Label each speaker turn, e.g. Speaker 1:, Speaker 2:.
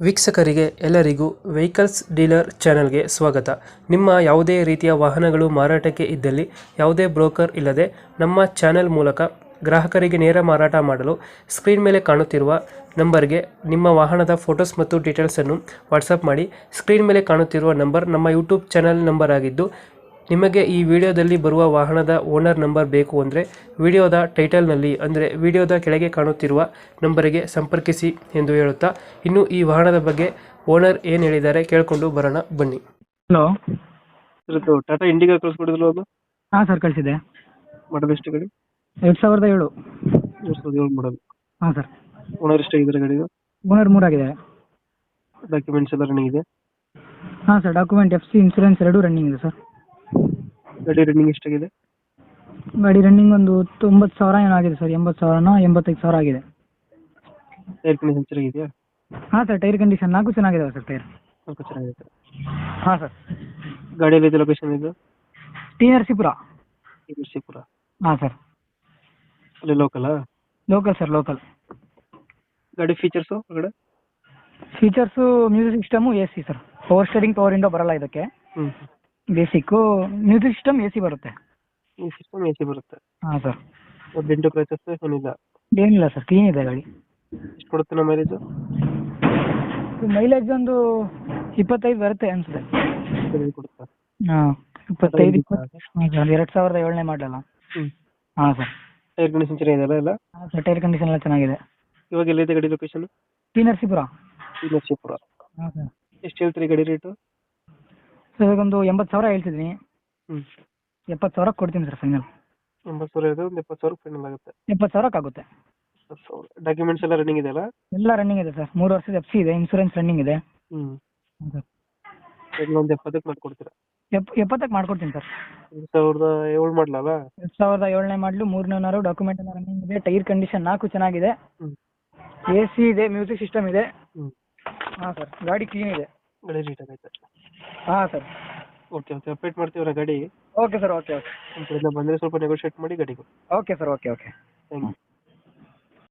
Speaker 1: ವೀಕ್ಷಕರಿಗೆ ಎಲ್ಲರಿಗೂ vehicles dealer ಚಾನೆಲ್ಗೆ ಸ್ವಾಗತ. ನಿಮ್ಮ ಯಾವುದೇ ರೀತಿಯ ವಾಹನಗಳು ಮಾರಾಟಕ್ಕೆ ಇದ್ದಲ್ಲಿ ಯಾವುದೇ ಬ್ರೋಕರ್ ಇಲ್ಲದೆ ನಮ್ಮ ಚಾನೆಲ್ ಮೂಲಕ ಗ್ರಾಹಕರಿಗೆ ನೇರ ಮಾರಾಟ ಮಾಡಲು ಸ್ಕ್ರೀನ್ ಮೇಲೆ ಕಾಣುತ್ತಿರುವ ನಂಬರ್ಗೆ ನಿಮ್ಮ ವಾಹನದ ಫೋಟೋಸ್ ಮತ್ತು ಡೀಟೇಲ್ಸನ್ನು ವಾಟ್ಸಪ್ ಮಾಡಿ. ಸ್ಕ್ರೀನ್ ಮೇಲೆ ಕಾಣುತ್ತಿರುವ ನಂಬರ್ ನಮ್ಮ ಯೂಟ್ಯೂಬ್ ಚಾನೆಲ್ ನಂಬರ್ ಆಗಿದ್ದು, ನಿಮಗೆ ಈ ವಿಡಿಯೋದಲ್ಲಿ ಬರುವ ವಾಹನದ ಓನರ್ ನಂಬರ್ ಬೇಕು ಅಂದರೆ ವಿಡಿಯೋದ ಟೈಟಲ್ನಲ್ಲಿ ಅಂದರೆ ವಿಡಿಯೋದ ಕೆಳಗೆ ಕಾಣುತ್ತಿರುವ ನಂಬರಿಗೆ ಸಂಪರ್ಕಿಸಿ ಎಂದು ಹೇಳುತ್ತಾ, ಇನ್ನು ಈ ವಾಹನದ ಬಗ್ಗೆ ಓನರ್ ಏನು ಹೇಳಿದ್ದಾರೆ ಕೇಳಿಕೊಂಡು ಬರೋಣ ಬನ್ನಿ.
Speaker 2: ಹಲೋ.
Speaker 1: ಇವತ್ತು ಟಾಟಾ ಇಂಡಿಗಾ ಕಳಿಸ್ಕೊಡಿದ್ರು, ಅದು
Speaker 2: ಹಾಂ ಸರ್, ಕಳಿಸಿದೆ.
Speaker 1: ಮಾಡಲ್ ಎಷ್ಟು ಗಾಡಿ?
Speaker 2: 2007.
Speaker 1: 2007 ಮಾಡಲ್.
Speaker 2: ಹಾಂ ಸರ್.
Speaker 1: ಓನರ್ ಎಷ್ಟಾಗಿದ್ದಾರೆ ಗಾಡಿದು?
Speaker 2: ಓನರ್ 3 ಆಗಿದೆ.
Speaker 1: ಡಾಕ್ಯುಮೆಂಟ್ಸ್ ಎಲ್ಲ ರನ್ನಿಂಗ್ ಇದೆ?
Speaker 2: ಹಾಂ sir, document FC insurance 2 running ಇದೆ ಸರ್.
Speaker 1: ಗಾಡಿ ರನ್ನಿಂಗ್ ಎಷ್ಟಾಗಿದೆ?
Speaker 2: ಗಾಡಿ ರನ್ನಿಂಗ್ ಒಂದು 90,000 ಏನೋ ಆಗಿದೆ ಸರ್. 80,000ನೋ 85,000 ಆಗಿದೆ.
Speaker 1: ಟೈರ್ ಕಂಡೀಷನ್ ಚೆನ್ನಾಗಿದೆಯಾ?
Speaker 2: ಹಾಂ ಸರ್, ಟೈರ್ ಕಂಡೀಷನ್ 4 ಚೆನ್ನಾಗಿದಾವೆ ಸರ್. ಟೈರ್
Speaker 1: ಸ್ವಲ್ಪ ಚೆನ್ನಾಗಿದೆ.
Speaker 2: ಹಾಂ ಸರ್.
Speaker 1: ಗಾಡಿಯಲ್ಲಿ ಇದೆ ಲೊಕೇಶನ್ ಇದು?
Speaker 2: ಟಿ ನರಸೀಪುರ.
Speaker 1: ನರಸೀಪುರ.
Speaker 2: ಹಾಂ ಸರ್.
Speaker 1: ಅಲ್ಲಿ ಲೋಕಲಾ?
Speaker 2: Local sir, local.
Speaker 1: ಗಾಡಿ ಫೀಚರ್ಸು ಹೊರಗಡೆ?
Speaker 2: Features music system AC sir. Power steering, power window ಬರಲ್ಲ ಇದಕ್ಕೆ. ಬೇಸಿಕ್ಕು ಮ್ಯೂಸಿಕ್ ಸಿಸ್ಟಮ್ AC ಬರುತ್ತೆ.
Speaker 1: ಈ ಸಿಸ್ಟಮ್ AC ಬರುತ್ತೆ.
Speaker 2: ಹಾಂ ಸರ್.
Speaker 1: ಡೆಂಟು ಕ್ರಚಸ್ ಏನಿಲ್ಲ?
Speaker 2: ಏನಿಲ್ಲ ಸರ್, ಕ್ಲೀನ್ ಇದೆ ಗಾಡಿ.
Speaker 1: ಎಷ್ಟು ಕೊಡುತ್ತೆ ನಮ್ಮ ಮೈಲೇಜು?
Speaker 2: ಮೈಲೇಜ್ ಒಂದು 25 ಬರುತ್ತೆ ಅನ್ಸುತ್ತೆ.
Speaker 1: ಕೊಡುತ್ತಾ?
Speaker 2: ಹಾಂ, 25 2007ನೇ ಮಾಡಲ್ಲ. ಹಾಂ ಸರ್.
Speaker 1: ಟೈರ್ ಕಂಡೀಷನ್ ಚೆನ್ನಾಗಿದೆಯಲ್ಲ ಎಲ್ಲ?
Speaker 2: ಹಾಂ ಸರ್, ಟೈರ್ ಕಂಡೀಷನ್ ಎಲ್ಲ ಚೆನ್ನಾಗಿದೆ.
Speaker 1: ಇವಾಗ ಎಲ್ಲಿದೆ ಗಾಡಿ ಲೊಕೇಶನ್?
Speaker 2: ಟಿ ನರಸೀಪುರ.
Speaker 1: ನರಸೀಪುರ.
Speaker 2: ಹಾಂ ಸರ್.
Speaker 1: ಎಷ್ಟು ಹೇಳ್ತೀರಿ ಗಾಡಿ ರೇಟು?
Speaker 2: ಸರ್ ಇವಾಗೊಂದು 80,000 ಹೇಳ್ತಿದ್ದೀನಿ. 70,000 ಕೊಡ್ತೀನಿ ಸರ್ ಫೈನಲ್.
Speaker 1: 80,000 ಇದೆ, ಒಂದು 70,000 ಫೈನಲ್ ಆಗುತ್ತೆ.
Speaker 2: 70,000 ಆಗುತ್ತೆ.
Speaker 1: ಡಾಕ್ಯುಮೆಂಟ್ಸ್ ಎಲ್ಲ ರನ್ನಿಂಗ್ ಇದೆಯಲ್ಲ?
Speaker 2: ಎಲ್ಲ ರನ್ನಿಂಗ್ ಇದೆ ಸರ್. 3 ವರ್ಷದ FC ಇದೆ, ಇನ್ಸೂರೆನ್ಸ್ ರನ್ನಿಂಗ್ ಇದೆ. ಹಾಂ ಸರ್.
Speaker 1: ಒಂದು 70ಕ್ಕೆ ಮಾಡ್ಕೊಡ್ತೀರಾ?
Speaker 2: 70ಕ್ಕೆ ಮಾಡ್ಕೊಡ್ತೀನಿ ಸರ್.
Speaker 1: 2007 ಮಾಡಲಲ್ಲ?
Speaker 2: 2007ನೇ ಮಾಡಲು, 3ನೇ ಡಾಕ್ಯುಮೆಂಟ್ ಎಲ್ಲ ರನ್ನಿಂಗ್ ಇದೆ. ಟೈರ್ ಕಂಡೀಷನ್ 4 ಚೆನ್ನಾಗಿದೆ. AC ಇದೆ, ಮ್ಯೂಸಿಕ್ ಸಿಸ್ಟಮ್ ಇದೆ. ಹಾಂ ಸರ್, ಗಾಡಿ ಕ್ಲೀನ್ ಇದೆ.
Speaker 1: ಗಾಡಿ ರೀಟ್ ಆಗೈತೆ?
Speaker 2: ಹಾಂ ಸರ್.
Speaker 1: ಓಕೆ ಅಪ್ಡೇಟ್ ಮಾಡ್ತೀವಲ್ಲ ಗಾಡಿ.
Speaker 2: Okay sir, okay.
Speaker 1: ನಮ್ಮ ಕಡೆಯಿಂದ ಬಂದರೆ ಸ್ವಲ್ಪ ನೆಗೋಷಿಯೇಟ್ ಮಾಡಿ ಗಾಡಿಗೆ.
Speaker 2: Okay sir, okay.
Speaker 1: Thank you.